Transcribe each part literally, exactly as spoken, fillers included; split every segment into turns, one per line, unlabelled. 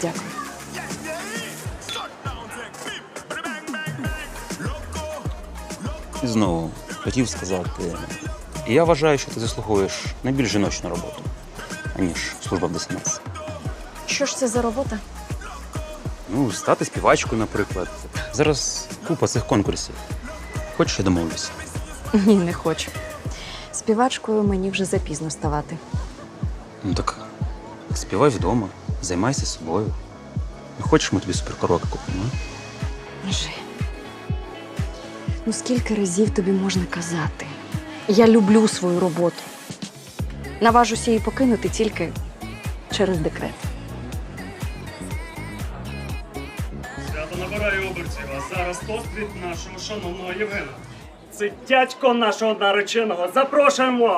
Дякую.
І знову хотів сказати, я вважаю, що ти заслуговуєш на більш жіночну роботу, аніж служба в ДСНС.
Що ж це за робота?
Ну, стати співачкою, наприклад. Зараз купа цих конкурсів. Хочеш, я домовлюся?
Ні, не хочу. Співачкою мені вже запізно ставати.
Ну так співай вдома, займайся собою. Не хочеш, ми тобі суперкоробку купимо? а?
Жи. Ну скільки разів тобі можна казати? Я люблю свою роботу. Наважуся її покинути тільки через декрет.
Свято набирає обертів, а зараз тост від нашого шановного Євгена. Це дядько нашого нареченого. Запрошуємо!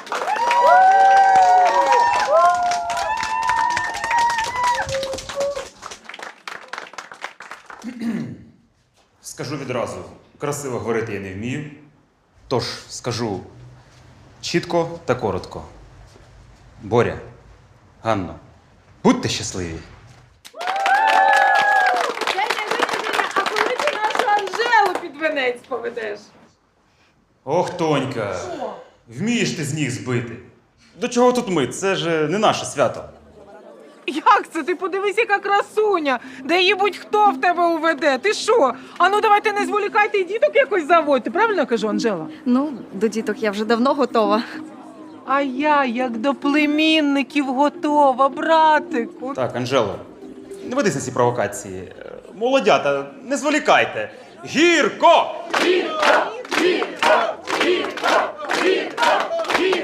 Скажу відразу, красиво говорити я не вмію. Тож скажу чітко та коротко. Боря, Ганно, будьте щасливі.
А коли ти нашу Анжелу під венець поведеш?
Ох, Тонька, вмієш ти з ніг збити. До чого тут ми? Це ж не наше свято.
Як це? Ти подивись, яка красуня! Де її будь-хто в тебе уведе. Ти що? А ну давайте не зволікайте і діток якось заводьте. Правильно кажу, Анжела?
Ну, до діток я вже давно готова.
А я як до племінників готова, братику.
Так, Анжело, не ведись на ці провокації. Е, Молодята, не зволікайте. Гірко! Гірко! Гірко! Гірко! Гірко!